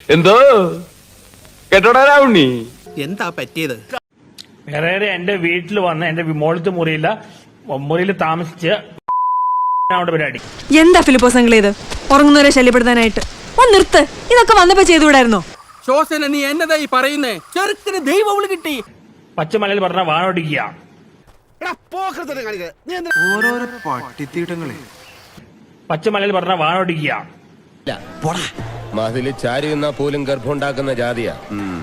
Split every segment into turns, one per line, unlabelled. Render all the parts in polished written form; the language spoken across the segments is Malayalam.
എന്തോ കേട്ടോടാ രാവുണ്ണി,
എന്താ പറ്റിയത്?
വേറെ എന്റെ വീട്ടിൽ വന്ന് എന്റെ മോളത്തെ മുറിയിൽ താമസിച്ച് പരിപാടി.
എന്താ ഫിലിപ്പോസ് അങ്കിൾ ഇത്? ഉറങ്ങുന്നവരെ ശല്യപ്പെടുത്താനായിട്ട് ഒന്ന് നിർത്ത്. ഇതൊക്കെ വന്നപ്പോ ചെയ്തുകൂടായിരുന്നോ?
ശോസന, നീ എന്നതായി പറയുന്നേ? ചെറുക്കിന് ദൈവം കിട്ടി.
പച്ചമലയിൽ പറഞ്ഞ വാണോടിക്കുക.
ഓരോരോ പട്ടിത്തീട്ടങ്ങളെ
പച്ചമലയിൽ പറഞ്ഞ വാണോടിക്കുക.
മതില് ചാരി നിന്നാ പോലും ഗർഭമുണ്ടാക്കുന്ന ജാതിയാ.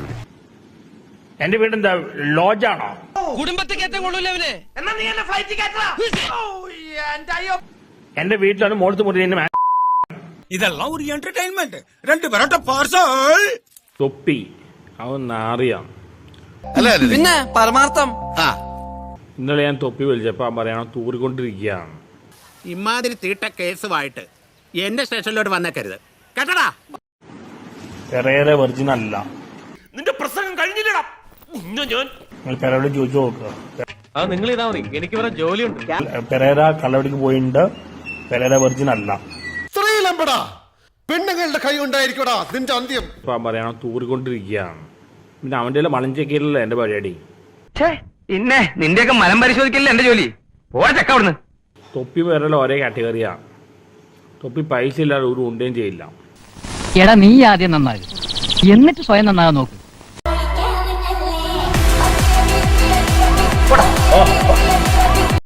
എന്റെ വീടെന്താ ലോഡ്ജാണോ? എന്റെ വീട്ടിലാണ് മോളത്തെ മുറി.
ഇതെല്ലാം ഒരു എന്റർടൈൻമെന്റ്. രണ്ട് പെരട്ട പാർസൽ
തൊപ്പി അവൻ നാറിയാ.
പിന്നെ പരമാർത്ഥം.
ഇന്നലെ ഞാൻ തൊപ്പി വലിച്ചപ്പോ പറയണോ തൂറിക്കൊണ്ടിരിക്കുകയാണ്.
ഇമാതിരി തീട്ട കേസുമായിട്ട് എന്റെ സ്റ്റേഷനിലോട്ട് വന്നേക്കരുത് കേട്ടടാ.
പെരേര വെർജിൻ അല്ല.
നിന്റെ പ്രസംഗം കഴിഞ്ഞില്ലടാ.
നിങ്ങൾ പെരയോട് ചോദിച്ചു നോക്കുക.
നിങ്ങൾ ഇതാ മതി, എനിക്ക് വേറെ ജോലിയുണ്ട്.
പെരേര കള്ളവടിക്ക് പോയിട്ടുണ്ട്. പെരേര വെർജിൻ അല്ല.
സ്ത്രീലമ്പടാ, പെണ്ണുങ്ങളുടെ കൈ ഉണ്ടായിരിക്കടാ നിന്റെ അന്ത്യം.
ഇപ്പൊ പറയണോ തൂറിക്കൊണ്ടിരിക്കുകയാണ്. പിന്നെ അവന്റെ മലഞ്ചേക്കിയിലല്ല എന്റെ പരിപാടി.
പിന്നെ നിന്റെയൊക്കെ മനം പരിശോധിക്കില്ല എന്റെ ജോലി. പോവാ ചക്ക അവിടുന്ന്.
തൊപ്പി പെരേല ഒരേ കാറ്റഗറിയാണ്. തൊപ്പി പൈസ ഇല്ലാതെ ഒരു ഉണ്ടേം ചെയ്യില്ല.
എടാ നീ ആദ്യം നന്നാകും, എന്നിട്ട് സ്വയം നന്നാകാൻ നോക്കും.